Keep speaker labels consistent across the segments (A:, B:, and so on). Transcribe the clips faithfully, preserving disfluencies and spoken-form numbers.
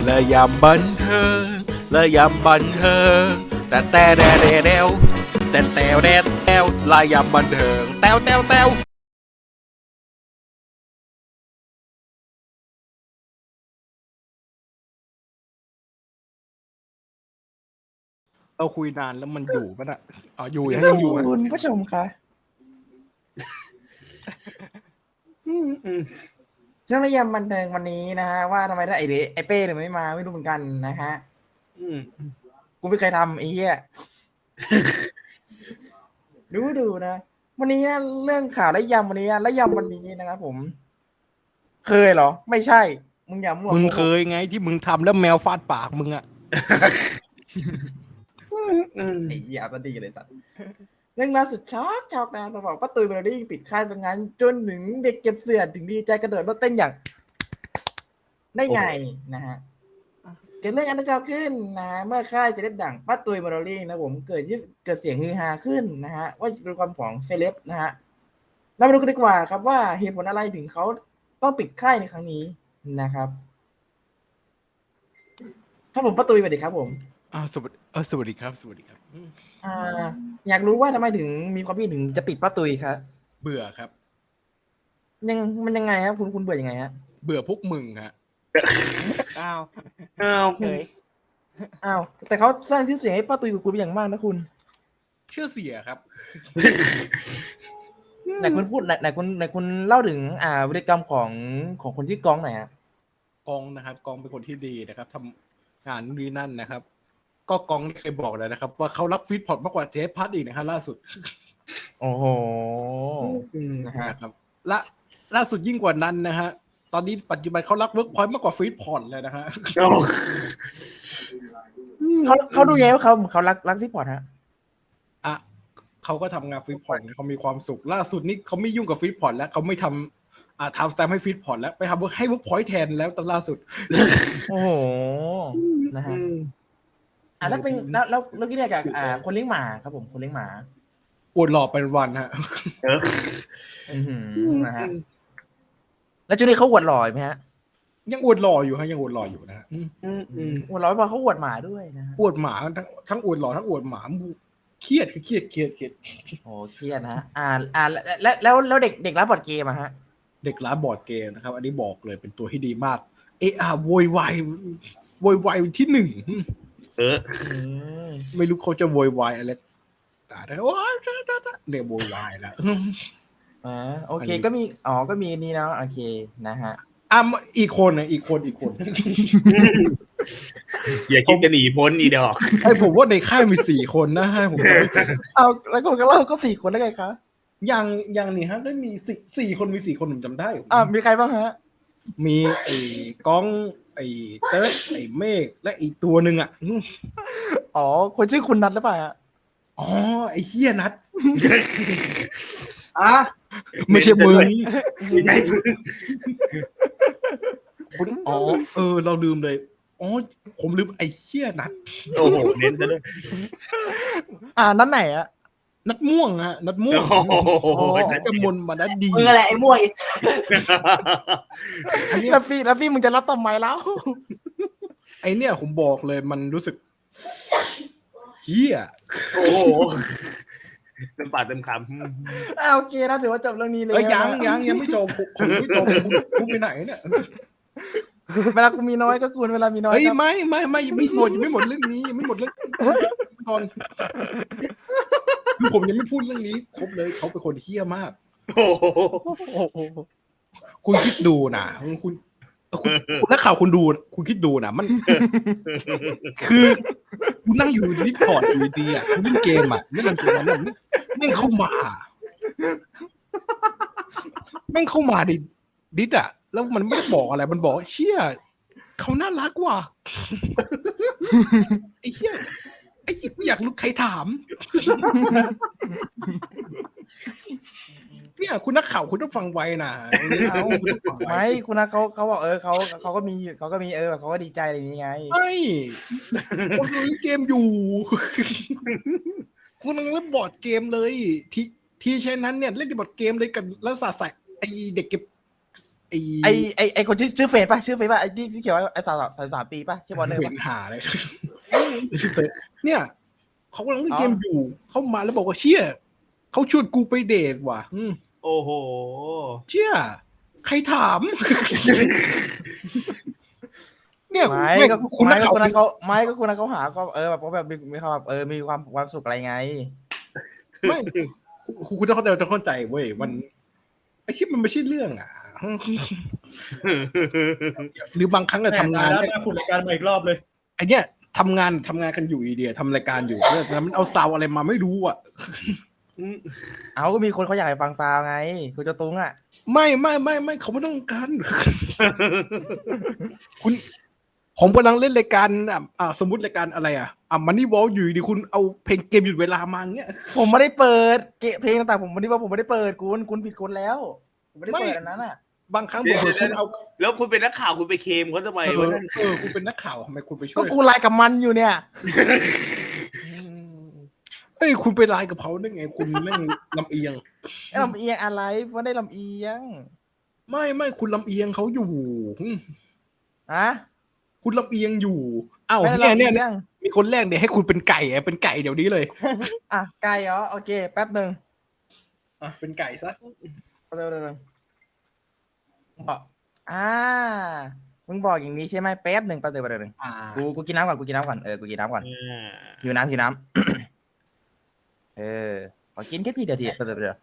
A: และยามบันเทิงและยามบันเทิงแต่แต่แดแดแดวแต่แต่แดแดวลายามบันเทิงแต้วแต้วแต้วเราคุยนานแล้วมันอยู่ปะน่ะอ๋ออยู่ยังยังอยู่
B: คุณผู้ชมคะเรื่องระยำบันเทิงวันนี้นะฮะว่าทำไมได้ไอเดไอเป้เนี่ยไม่มาไม่รู้เหมือนกันนะฮะกูไม่เคยทำไอ้เหี้ยดูดูนะวันนี้นะเรื่องข่าวระยำวันนี้ระยำวันนี้นะครับผม เคยเหรอ ไม่ใช่มึงอย่ามั่ว
A: มึงเคยไงที่มึงทำแล้วแมวฟาดปากมึงอะ
B: ไอ้เหี้ยก็ดีเลยสัตว์เรื่องล่าสุดช็อกช็อกนะเราบอกป้าตุยเบลลี่ปิดค่ายสังงานจนถึงเด็กเก็บเสื้อถึงดีใจกระโดดรถเต้นอย่างได้ไงนะฮะเกิดเรื่องอันนั้นขึ้นนะเมื่อค่ายเซเลบดังป้าตุยเบลลี่นะผมเกิดที่เกิดเสียงฮือฮาขึ้นนะฮะว่าเป็นความของเซเลบนะฮะเรามาดูกันดีกว่าครับว่าเหตุผลอะไรถึงเขาต้องปิดค่ายในครั้งนี้นะครับครับผมป้าตุยสวัสดีครับผม
A: อ่าสวัสดีเออสวัสดีครับสวัสดีครับอืม
B: อ่าอยากรู้ว่าทำไมถึงมีความคิดถึงจะปิดป้าตุยครับ
A: เบื่อครับ
B: ยังมันยังไงครับคุณคุณเบื่อยังไงฮะ
A: เบื่อพวกมึงฮะ
C: อ้าว
B: อ้าว
C: เฉย
B: อ้าวแต่เขาสร้างชื่อเสียงให้ป้าตุยกับคุณเป็นอย่างมากนะคุณ
A: เชื่อเสียครับ
B: ไหนคุณพูดไหนไหนคุณไหนคุณเล่าถึงอ่าวิธีกรรมของของคนที่กองหน่อยฮะ
A: กองนะครับกองเป็นคนที่ดีนะครับทำงานนู่นนี่นั่นนะครับ ก็กองเคยบอกแล้วนะครับ ว่าเขารักฟีดพอร์ตมากกว่าเจฟพัดอีกนะฮะล่าสุด
B: โอ้โหนะฮะ
A: นะครับและล่าสุดยิ่งกว่านั้นนะฮะตอนนี้ปัจจุบันเขารักเวิร์กพอยต์มากกว่าฟีดพอร์ตเลยนะฮะ
B: เขาเขาดูยังไงว่าเขาเขารักรักพี่พอร์ตฮะ
A: อ่ะเขาก็ทำงานฟีดพอร์ตเขามีความสุขล่าสุดนี้เขาไม่ยุ่งกับฟีดพอร์ตแล้วเขาไม่ทำอ่าทำสแตมป์ให้ฟีดพอร์ตแล้วไปทำให้เวิร์กพอยต์แทนแล้วตอนล่าสุด
B: โอ้โหนะฮะอ่าแล้วเป็นแล้วแล้วแล้วกี่เนี่ยกับอ่าคนเลี้ยงหมาครับผมคนเลี้ยงหมา
A: อวดหล่อเป็นวันฮะ
B: อือหือนะฮะแล้วจุดนี้เขาอวดหล่อไหมฮะ
A: ยังอวดหล่ออยู่ฮะยังอวดหล่ออยู่นะฮะอืม
B: อวดหล่อไม่พอเขาอวดหมาด้วยนะฮะ
A: อวดหมาทั้งทั้งอวดหล่อทั้งอวดหมาเครียดเครียดเครียดเครียด
B: โอ้เครียดนะฮะอ่าอ่าแล้วแล้วแล้วเด็กเด็กรับบอร์ดเกมอะฮะ
A: เด็กร้านบอร์ดเกมนะครับ อันนี้บอกเลยเป็นตัวที่ดีมาก เอะอะโวยวายโวยวายที่หนึ่ง
D: เออ
A: ไม่รู้เขาจะโวยวายอะไรแต่ได้โอ้ยเนี่ยโวยวายแล้ว
B: อ่าโอเค
A: อันนี้
B: ก็มีอ๋อก็มีนี่เนาะโอเคนะฮะ
A: อ่ะอีกคนนะอีกคนอีกคน
D: อย่าคิดจะหนีพ้นอีดอก
A: ไอ้ผมว่าในค่ายมีสี่คนนะฮะผม
B: เอาแล้วคนก็เล่าก็สี่คนได้ไงคะ
A: ยังยังนี่ฮะได้มีสี่สี่คนมีสี่คนผมจำได้
B: อ่ามีใครบ้างฮะ
A: มีไอ้ก้องไอ้เติร์ดไอ้เมฆและอีกตัวหนึ่งอ่ะอืม
B: อ๋อคนชื่อคุณนัทหรือเปล่าฮะ
A: อ๋อไอ้เฮียนัท
D: อ่ะ
A: ไม่ใช่มึง
D: ไม่ใช่มึง
A: คุณอ๋อเออ เราลืมเลยอ๋อผมลืมไอ้เฮียนัท
D: โอ้โหเน้นซะด้วย
B: อ่านัทไหนอะ
A: นัดม่วงฮะนัดม่วง
D: โอ้โห
A: อ๋อจะมนมานัดดี
B: มึงอะไรไอ้ม่วง
A: อันเนี้ย
B: แล้วพี่แล้วพี่มึงจะรับทำไมแล้ว
A: ไอเนี่ยผมบอกเลยมันรู้สึกเฮีย
D: โอ้โหเต็มปากเต็มค
B: อ่าโอเคนะถือว่าจบเรื่องนี้เลย
A: เอ้ยยัง
B: นะ
A: ยังยังไม่จบผมผมไม่จบคุณคุณไปไหนเนี่ย
B: เวลากูมีน้อยก็คุณเวลามีน้อย
A: เอ้ย
B: ครับ
A: ไม่ไม่ไม่ยังไม่หมดยังไม่หมดเรื่องนี้ยังไม่หมดเรื่องก่อนคือผมยังไม่พูดเรื่องนี้ครบเลยเขาเป็นคนเฮี้ยมาก
D: ำโอ้โห
B: โอ้โห
A: คุณคิดดูนะคุณคุณคุณนักข่าวคุณดู คุณคิดดูนะมัน คือคุณนั่งอยู่ดิสคอร์ดอยู่ดีอ่ะคุณเล่นเกมอ่ะเล่นเกมอ่ะแม่งเข้ามาแม่งเข้ามาดิดิสอ่ะแล้วมันไม่ได้บอกอะไรมันบอกเชี่ยเขาน่ารักว่ะไอ้เชี่ยไอ้เชี่ยกูอยากรู้ใครถามเนี่ยคุณนักข่าวคุณต้องฟังไว้นะ
B: เอาไม่คุณนัทเขาเขาบอกเออเขาเขาก็มีเขาก็มีเออเขาก็ดีใจอะไรอย่างนี้ไง
A: ไม่คุณเล่นเกมอยู่ คุณกำลังเล่นบอร์ดเกมเลย ที่ที่เช่นนั้นเนี่ยเล่นบอร์ดเกมเลยกับแล้วสาใส่ไอเด็กเก็บไอ้
B: ไอไอไอคนชื่อชื่อเฟซป่ะชื่อเฟซป่ะไอที่ที่เขียนว่าไอสาวสาวสามปีป่ะชื่อบอลเนอร์
A: เป็
B: ป่ะ
A: นหาเลยเนี่ยเขากำลังเล่นเกมอยู่เข้ามาแล้วบอกว่าเชี่ยเขาชวนกูไปเดทว่ะอืม
D: โอ้โห
A: เชี่ยใครถาม เนี่ย
B: ไม่
A: แม่ง
B: ก็
A: คุณ
B: ไม่
A: นัก
B: ก็
A: ข่าว
B: คนนั้นเขาไม่ก็คนนั้นเขาหาก็เออแบบเขาแบบมีมีความแบบเออมีความความสุขอะไรไง
A: ไม่คุณคุณต้องเข้าใจต้องเข้าใจเว้ยมันไอ้ที่มันไม่ใช่เรื่องอ่ะ หรือบางครั้งอะทำงาน
C: แล้วมาขุดรายการมาอีกรอบเลย
A: ไอเนี้ยทำงานทำงานกันอยู่อีเดียทำรายการอยู่แล้วมันเอาซาวอะไรมาไม่รู้อ่ะ
B: เอาก็มีคนเขาอยากให้ฟังฟาวไงคุณเจ้าตุ้งอ่ะ
A: ไม่ไม่ไม่ไม่เขาไม่ต้องการ คุณผมกำลังเล่นรายการอ่ะอ่าสมมติรายการอะไรอ่ะอ่ะมันนี่วอลอยู่ดีคุณเอาเพลงเกมหยุดเวลามาเงี้ย
B: ผมไม่ได้เปิดเกะเพลงต่างๆผมวันนี้ว่าผมไม่ได้เปิดคุณคุณผิดคนแล้วผมไม่ได้เปิดอันนั้นอ่ะ
A: บางครั้งผมคุณเอา
D: แล้วคุณเป็นนักข่าวคุณไปเคลมเขาทำไม
A: เอ
D: วะ
A: อ
D: นั่น
A: เออคุณเป็นนักข่าวทำไมคุณไปช่
B: ก็
A: วย
B: กูไลน์กับมันอยู่เนี่ย
A: เฮ้ยคุณไปไลน์กับเขาได้ไง คุณแม่งลำเอียง
B: ไอ้ลำเอียงอะไรไม่ได้ลำเอียง
A: ไม่ไม่คุณลำเอียงเขาอยู่อืม
B: ฮะ
A: คุณลำเอียงอยู่อ้าว
B: ไม่ได้
A: เนี่ย
B: ลำ
A: เนี่ย
B: เอียง
A: มีคนแรกเนี่ยให้คุณเป็นไก่อะเป็นไก่เดี๋ยวนี้เลย
B: อ่ะไก่เหรอโอเคแป๊บหนึ่ง
A: อ่ะเป็นไก่ซะ
B: เร็วเร็วเร็วบอกอ่ามึงบอกอย่างนี้ใช่ไหมแป๊บหนึ่งแป๊บเดียวแป๊บเดียวหนึ่ง
A: อ่า
B: กูกูกินน้ำก่อนกูกินน้ำก่อนเออกูกินน้ำก่อน
D: อ่า
B: หิวน้ำหิวน้ำ เออขอกินแค่ทีเดียวทีเดียวเดียว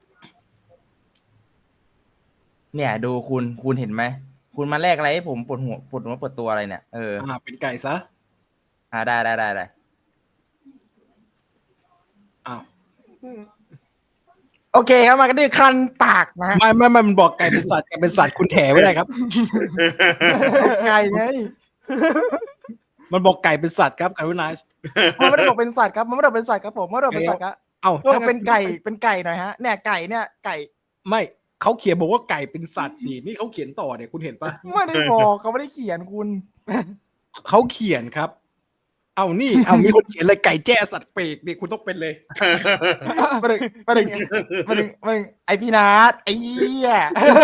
B: เนี่ยดูคุณคุณเห็นไหมคุณมาแลกอะไรให้ผมปวดหัวปวดหัวปวดตัวอะไรเนี่ยเออ
A: อ่าเป็นไก่ซะ
B: อ่าได้ได้ได้ได้
A: อ้าว
B: โอเคครับมากันที่คันปากนะ
A: ไม่ไม่ไม่มันบอกไก่เป็นสัตว์ไก่เป็นสัตว์คุณแถไม่ได้ครับ
B: ไก่ไง
A: มันบอกไก่เป็นสัตว์ครับการุณา
B: มันไม่ได้บอกเป็นสัตว์ครับมันไม่ได้บอกเป็นสัตว์ครับผมไม่ได้บอกเป็นสัตว์ครับ
A: เอ้า
B: ก็เป็นไก่เป็นไก่หน่อยฮะเนี่ยไก่เนี่ยไก่
A: ไม่เขาเขียนบอกว่าไก่เป็นสัตว์นี่นี่เขาเขียนต่อเนี่ยคุณเห็นปะ
B: ไม่ได้บอกเขาไม่ได้เขียนคุณ
A: เขาเขียนครับ เอานี่เอามีคนเขียนเลยไก่แจ้สัตว์เปรกนี่คุณต้องเป็นเลย
B: มาดึงมาดึงมาดึงมาดึงไอพี่นัทไอ้เหี้ย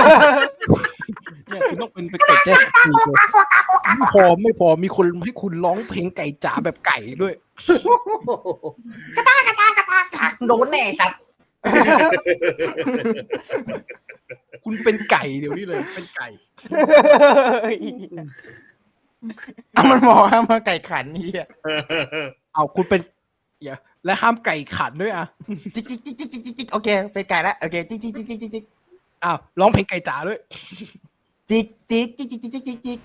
A: เนี่ยคุณต้องเป็นเป็นไก่แจ้สัตว์เปรกเลยไม่พอไม่พอมีคนให้คุณร้องเพลงไก่จ๋าแบบไก่ด้วย
B: โดนแน่สัตว์
A: คุณเป็นไก่เดี๋ยวนี้เลยเป็นไก่
B: อ่ะมันบอกว่ามาไก่ขันเหี้ย
A: เอาคุณเป็นอย่าและห้ามไก่ขันด้วยอ่ะ
B: จิกจิกจิกจิกจิกจิกจิกโอเคเป็นไก่แล้วโอเคจิกจิกจิกจิกจิกจิก
A: อ้าวร้องเพลงไก่จ๋าด้วย
B: จิกจิกจิกจิกจิกจิกจิกจิก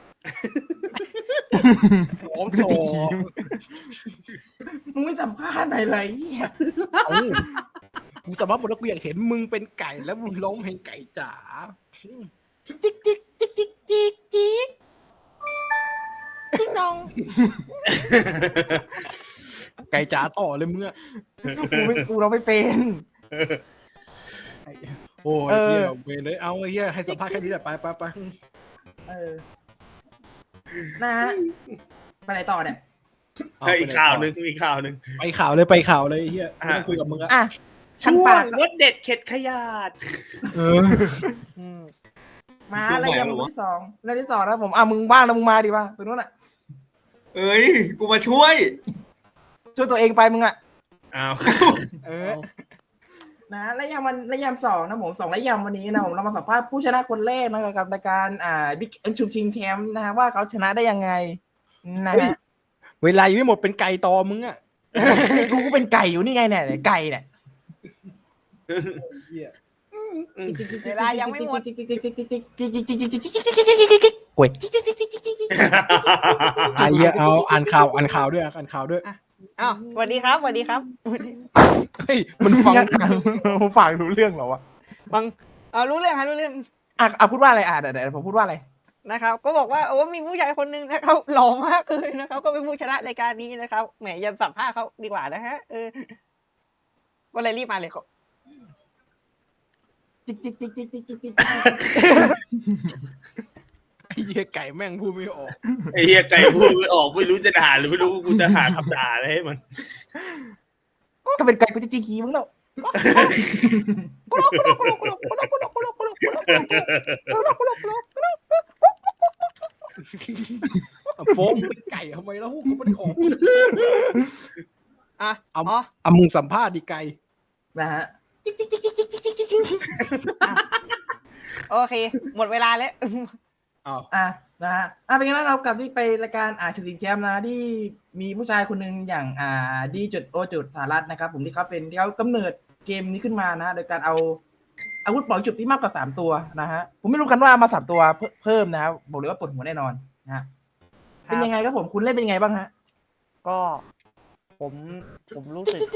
A: ร้อง
B: จิ
A: โช
B: ก
A: ว์
B: มึงไม่สัมภาษณ์หน่อยเลยเหี้ย
A: เอ้ากูสามารถบอกว่ากูอยากเห็นมึงเป็นไก่แล้วมึงร้องเพลงไก่จ๋า
B: จิกจิกจิกจิกจิกจิกจิกน้อง
A: ไก่จ๋าต่อเลยมึงอะ
B: กูไม่กูเราไม่เป็น
A: โอ้ย
B: เออ
A: เฮียเวรเลยเอาไอ้เฮียให้สัมภาษณ์แค่นี้แหละไปไปไป
B: เออนะฮะไปไหนต่อเนี่ย
A: เา
D: อีกข่าวหนึ่งมีข่าวหนึ่ง
A: ไปข่าวเลยไปข่าวเลยไอ้เฮียไม่ต้องคุยกับมึงอะ
B: อ่ะคัน
D: ช่ว
B: ปาง ก
D: รถเด็ดเข็ดขยาด
A: เออ
B: มา
D: ช่วง
B: แล้ว
D: ไหน
B: ยัง
D: วะ
B: ที่สองแล้วที่สองนะผมอ่ะมึงบ้างแล้วมึงมาดิว่าตัวนู้นอ่ะ
D: เอ้ย กูมาช่วย
B: ช่วยตัวเองไปมึงอ่ะ
D: อ้าว
B: เออนะและยามวันและยามสองนะผมสองและยามวันนี้นะผมเรามาสัมภาษณ์ผู้ชนะคนแรกนะกับรายการอ่าบิ๊กเอ็นชูชิงแชมป์นะฮะว่าเขาชนะได้ยังไงนะฮะ
A: เวลายังไม่หมดเป็นไก่ต่อมึงอะ
B: กูก็เป็นไก่อยู่นี่ไงเนี่ยไก่เนี่ย
A: เหี้ย
B: เวลายังไม่หมดกวย
A: ไอ้เหี้ยเอาอ่านข่าวอ่านข่าวด้วยอ่านข่าวด้วย
E: อ้าวสวัสดีครับสวัสดีครับ
A: เฮ้ยมันฟัง
B: ฝากรู้เรื่องเหรอวะ
E: ฟังเอารู้เรื่องครับรู้เรื่อง
B: อ่ะอ่ะพูดว่าอะไรอ่ะเดี๋ยวเดี๋ยวผมพูดว่าอะไร
E: นะครับ ก็บอกว่าโอ้มีผู้ชายคนหนึ่งนะครับหล่อมากเลยนะครับ ก็เป็นผู้ชนะรายการนี้นะครับแหมอย่าสัมภาษณ์เขาดีกว่านะฮะเออวันอะไรรีบมาเลย
B: จิ๊กจิ๊กจิ๊กจิ๊กจิ๊กจิ๊กจิ๊ก
A: ไอ้เหี้ยไก่แม่งพูดไม่ออก
D: ไอ้เหี้ยไก่พูดไม่ออกไม่รู้จะด่าหรือไม่รู้กูจะหาคำด่าอะไรให้มัน
B: ก็เป็นไก่กูจะจีขี้มึงแล้ว
A: โฟมเป็นไก่ทำไมแล้วเขาไม่ได้ของ
E: อ่ะ
A: เอา
E: อ๋อ
A: เอามึงสัมภาษณ์ดิไก่
B: นะฮะ
E: โอเค หมดเวลาแล้ว
A: อ้าว
B: อ่ะนะฮะอ่ะเป็นไงบ้างครับกับที่ไปรายการอ่าชิงแชมป์นะที่มีผู้ชายคนหนึ่งอย่างอ่าดีจุดโอจุดสหรัฐนะครับผมที่เขาเป็นที่เขากำเนิดเกมนี้ขึ้นมานะโดยการเอาอาวุธปล่อยจุดที่มากกว่าสามตัวนะฮะผมไม่รู้กันว่ามาสามตัวเพิ่มเพิ่มนะครับบอกเลยว่าปวดหัวแน่นอนนะฮะเป็นยังไงครับผมคุณเล่นเป็นยังไงบ้างฮะ
E: ก็ผมผมรู้สึก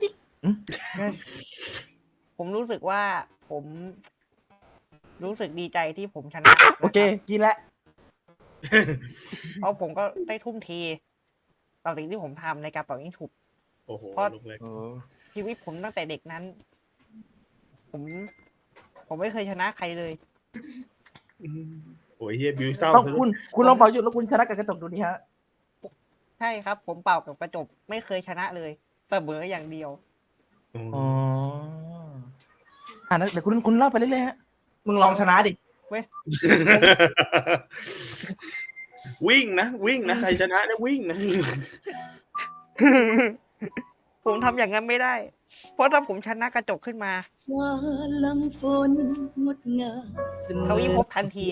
E: ผมรู้สึกว่าผมรู้สึกดีใจที่ผมชนะ
B: โอเค กินแล้ว
E: เพราะผมก็ได้ทุ่มเทต่อสิ่งที่ผมทำในการเป่ายิงฉุบ
D: โอ้โห
E: เพราะ
D: ลูกเล็ก
E: ชีวิตผมตั้งแต่เด็กนั้น ผม ผมไม่เคยชนะใครเลย
D: โอ้ยเฮียบิวเศร้า
B: ต้อง
D: ซะ
B: คุณคุณลองเป่าหยุดแล้วคุณชนะกับกระจกดูดิฮะ
E: ใช่ครับ ผมเป่ากับกระจกไม่เคยชนะเลยเสมออย่างเดียว
B: อ๋ออ่าเดี๋ยวคุณคุณเล่าไปเรื่อยๆฮะมึงลองชนะดิ
D: วิ่งนะวิ่งนะใครชนะเนี่ยวิ่งนะ
E: ผมทำอย่างนั้นไม่ได้ เพราะถ้าผมชนะกระจกขึ้นมา
C: ว่าลำฝนงดงามเสม
E: เขา
C: อ
E: วิภพทันที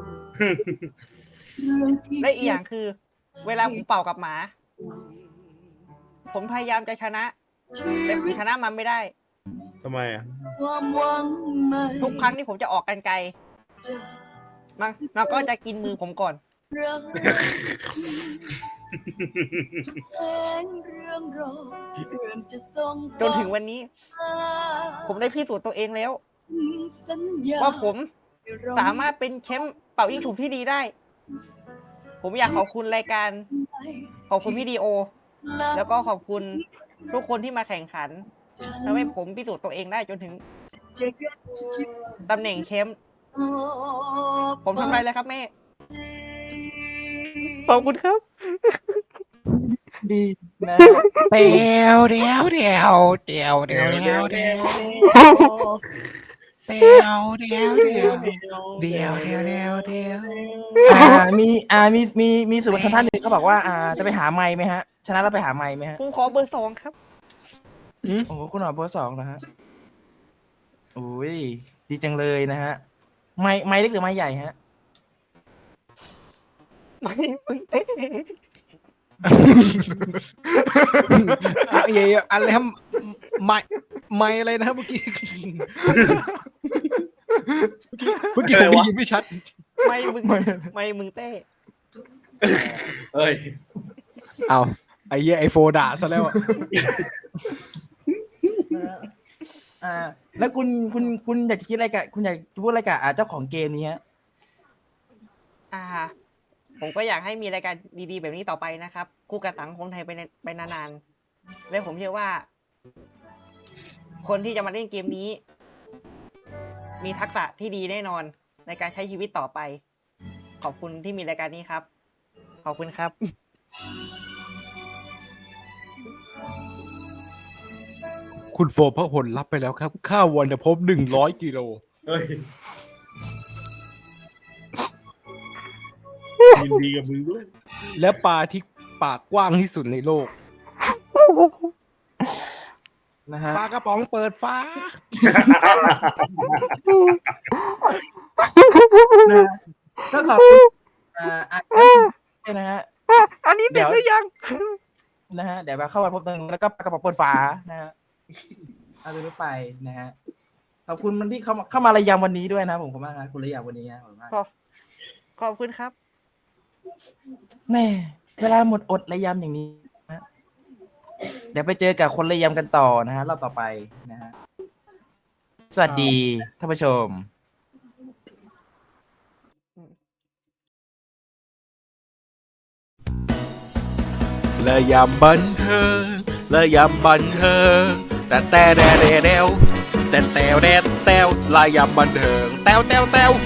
C: เรื่องที่
E: และอีกอย่างคือ เวลาผมเป่ากับหมา ผมพยายามจะชนะ
C: ชี
E: แต่ผม
C: วิต
E: ชนะมันไม่ได้
D: ทำไมอ่ะ
C: ความหวังใหม่
E: ทุกครั้งที่ผมจะออกกันไกล
C: จะ
E: มันมันก็จะกินมือผมก่อน
C: รักแสงเรื่องรอเรื่องจะส่ง
E: จนถึงวันนี้ ผมได้พิสูจน์ตัวเองแล้ว
C: สัญญา
E: ว่าผมสามารถเป็นแชมป์เป่ายิงฉุบที่ดีได้ ผมอยากขอบคุณรายการ ขอบคุณพี่ดีโอ แล้วก็ขอบคุณทุกคนที่มาแข่งขันทำให้ผมพิสูจน์ตัวเองได้จนถึงตำแหน่งแชมป์ผมทำได้แล้วครับแม่ ขอบคุณครับ
B: ดีนะ
A: เดี๋ยวเดี๋ยวเดี๋ยวเดี๋ยวเดี๋ยวเดี๋ยวเดี๋ยวเดี๋ยวเดี๋ยวเดี๋ยวเดี๋ยวเดี๋ยวเดี๋ยวเดี๋ยว
B: อ่ามีอ่ามีมีมีสื่อมวลชนท่านหนึ่งเขาบอกว่าอ่าจะไปหาไมค์ไหมฮะ ชนะแล้วไปหาไมค์ไหมฮะ
E: ผมขอเบอร์สองครับ
B: โอ้โหคุณหมอเบอร์สองนะฮะโอ้ยดีจังเลยนะฮะ ไม้ไม้เล็กหรือไม้ใหญ่ฮะ
E: ไม่มึงเต้
A: อ่ะเย่อะไรครับไม่ไม่อะไรนะครับเมื่อกี้เมื่อกี้ผมได้ยินไม่ชัด
E: ไม่มึงไม่มึงเต้
D: เฮ้ย
A: เอาไอ้เหี้ยไอโฟด่าซะแล้วอะ
B: อ่า แล้วคุณคุณคุณอยากจะคิดอะไรกับคุณอยากจะพูดอะไรกับอ่าเจ้าของเกมนี้ฮะ
E: อ่า ผมก็อยากให้มีรายการดีๆแบบนี้ต่อไปนะครับคู่กับสังคมไทยไปในไปนานๆและผมเชื่อว่า คนที่จะมาเล่นเกมนี้ มีทักษะที่ดีแน่นอนในการใช้ชีวิตต่อไป ขอบคุณที่มีรายการนี้ครับ ขอบคุณครับ
A: คุณโฟพหลรับไปแล้วครับ ข้าววรรณภพหนึ่งร้อยกิโล
D: เฮ้ยยินดีกับมึงด้วย
A: และปลาที่ปากกว้างที่สุดในโลก
B: นะฮะ
A: ปลากระป๋องเปิดฟ้า
B: ก็ขอบคุณอ่าอ่านะฮะ
E: อันนี้เด็กหรือยัง
B: นะฮะเดี๋ยวมาเข้ามาพบหนึ่งแล้วก็ปากกระป๋องเปิดฝานะฮะเอาตัวนี้ไปนะฮะขอบคุณมันที่เข้ามาเข้ามาระยำวันนี้ด้วยนะผมขอบคุณมากนะคุณระยำวันนี้นะขอบคุณมาก
E: ขอบขอบคุณครับ
B: แม่เวลาหมดอดระยำอย่างนี้นะเดี๋ยวไปเจอกับคนระยำกันต่อนะฮะรอบต่อไปนะฮะสวัสดีท่านผู้ชม
A: และยำบันเทิงและยำบันเทิงแต่แต่แดแดแดวแต่แต่แดแต้วและยำบันเทิงแต้วแต้วแต้ว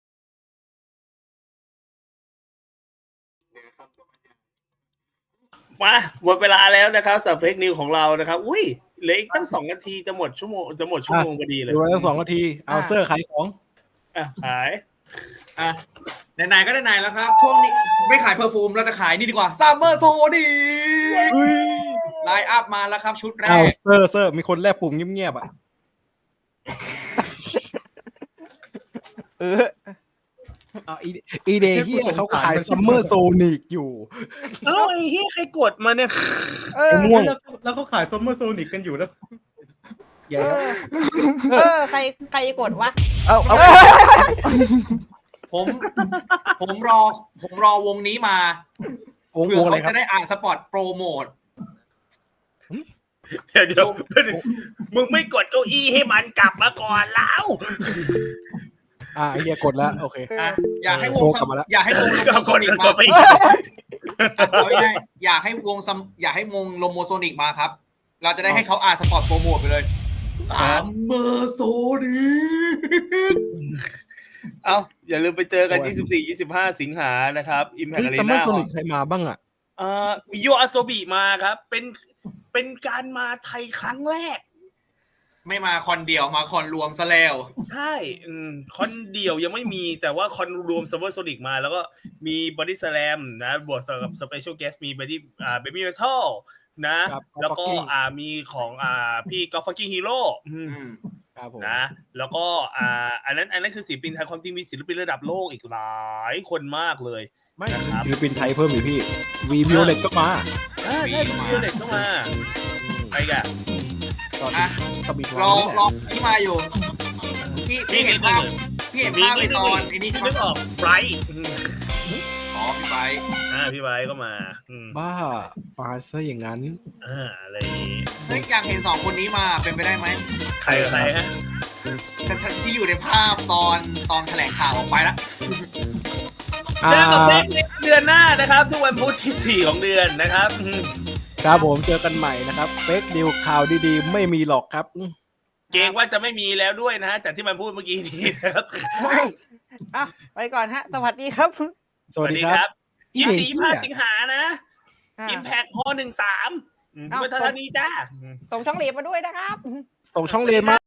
D: มาหมดเวลาแล้วนะครับสำหรับเฟกนิวของเรานะครับอุ้ยเหลืออีกตั้งสองนาทีจะหมดชั่วโมงจะหมดชั่วโมงพอดีเลย
A: ดูแล้วสองนาที เอาเซอร์ขายของ
D: อ่ะขาย
F: อ่ะไหนๆก็ไหนๆแล้วครับช่วงนี้ไม่ขายเพอร์ฟูมเราจะขายนี่ดีกว่าซัมเมอร์โซดีไลน์อัพมาแล้วครับชุดแร
A: อ้าว
F: ก
A: เซอร์เซอร์มีคนแลบปุ่มเงียบๆอ่ะ
E: เออ
A: อ่ะอีอีเดย์ที่เขาขายซัมเมอร์โซนิกอยู่
D: เอ้าไอ้เหี้ยใครกดมาเนี่ย
E: เออ
A: ไอ้ม่วง
G: แล้วแล้วเขาขายซัมเมอร์โซนิกกันอยู่แล้ว
A: แย่
E: เออเออใครใครกดวะ
B: เอาเอา
F: ผมผมรอผมรอวงนี้มา
A: วง
F: เผื่
A: ว
F: อง
A: อะไร
F: เขา
A: ครับ
F: จะได้อ่านสปอตโปรโมท
D: เดี๋ยวเดี๋ยวมึงไม่กดเก้าอี้ให้มันกลับมาก่อนแล้ว
A: อ่าไอเดียกดแล้วโอเค
F: อ่ะอยากให้วง
A: โทร
F: ซั
A: กลั
F: ม
A: บมาแล้ว
F: อยากให้วงโล
D: ก็
F: โม
D: ก
F: โซ
D: ด
F: นิก
D: ก
F: มา
D: ดไป
F: เอาง่ายๆอยากให้วงซัมอยากให้วงโลโมโซนิกมาครับ เราจะได้ให้เขาอ่านสปอตโปรโมทไปเลยซัมเมอร์โซนิก
D: เอาอย่าลืมไปเจอกัน ยี่สิบสี่ ยี่สิบห้า สิงหานะครับ Impact
A: เฮ้ยซัมเมอ
D: Arena
A: ร์โซนิกใครมาบ้างอ่ะ
D: เอ่อโยอาโซบิมาครับ เป็นเป็นการมาไทยครั้งแรก
F: ไม่มาคอนเดียวมาคอนรวมซะแล้ว
D: ใช่อืมคอนเดียวยังไม่มีแต่ว่าคอนรวมซัมเมอร์โซนิกมา แล้วก็มีบอดี้สแลมนะบวกกับสเปเชียลเกสมีบอดี้อ่าเบบี้เมทัลนะครับ แล้วก็
A: Fucking
D: อ่ามีของอ่าพี่กอล์ฟฟักกิ้งฮีโร่
A: ครับผม
D: นะแล้วก็อ่าอันนั้นอันนั้นคือศิลปินไทยความจริงมีศิลปินระดับโลกอีกหลายคนมากเลย
A: ไม่
D: นะครับ
A: ศิลปินไทยเพิ่มอีกพี่วีวิโอเลตก็มา
D: อ่าใช่พี่เล็กก็มาไปกัน
A: ตอน
F: อ่ะ
A: สบิด
F: รอ
A: วันนี่แห
F: รอ
A: ละ
F: ที่มาอยู่ พี่พี่เห็นภาพพี่เห็นภาพในตอนไอ้นี่
D: ที่
F: ใช่ไหม
D: นึกออกไบรท์
F: อ๋อพี่ไป
D: อ่าพี่ไบรท์ก็มาอืม
A: บ้ามาซะอย่างนั้น
D: อ่าอะไรอย่างงี้
F: เฮ้ยอยากเห็นสองคนนี้มาเป็นไปได้ไหม
D: ใครใครฮะ
F: แต่ที่อยู่ในภาพตอนตอนแถลงข่าวออกไปแล้ว
A: อ่า
D: เจอกับเฟกในเดือนหน้านะครับ ทุกวันพุธที่สี่ของเดือนนะครับอืม
A: ครับผมเจอกันใหม่นะครับเฟกดิวข่าวดีๆ ไม่มีหรอกครับอืม
D: เกรงว่าจะไม่มีแล้วด้วยนะฮะจากที่มันพูดเมื่อกี้นี้นะครับ
E: อ่ะไปก่อนฮะ สวัสดีครับ
A: สวัสดีครับ
D: ยี่สิบสี่ยี่สิบห้าสิงหานะ
E: อ่ะ
D: อิมแพคฮอหนึ่งสาม
E: เอ้า
D: เมื่อเท่านี้จ้า
E: ส่งช่องเหลียมาด้วยนะครับ
A: ส่งช่องเรียนมา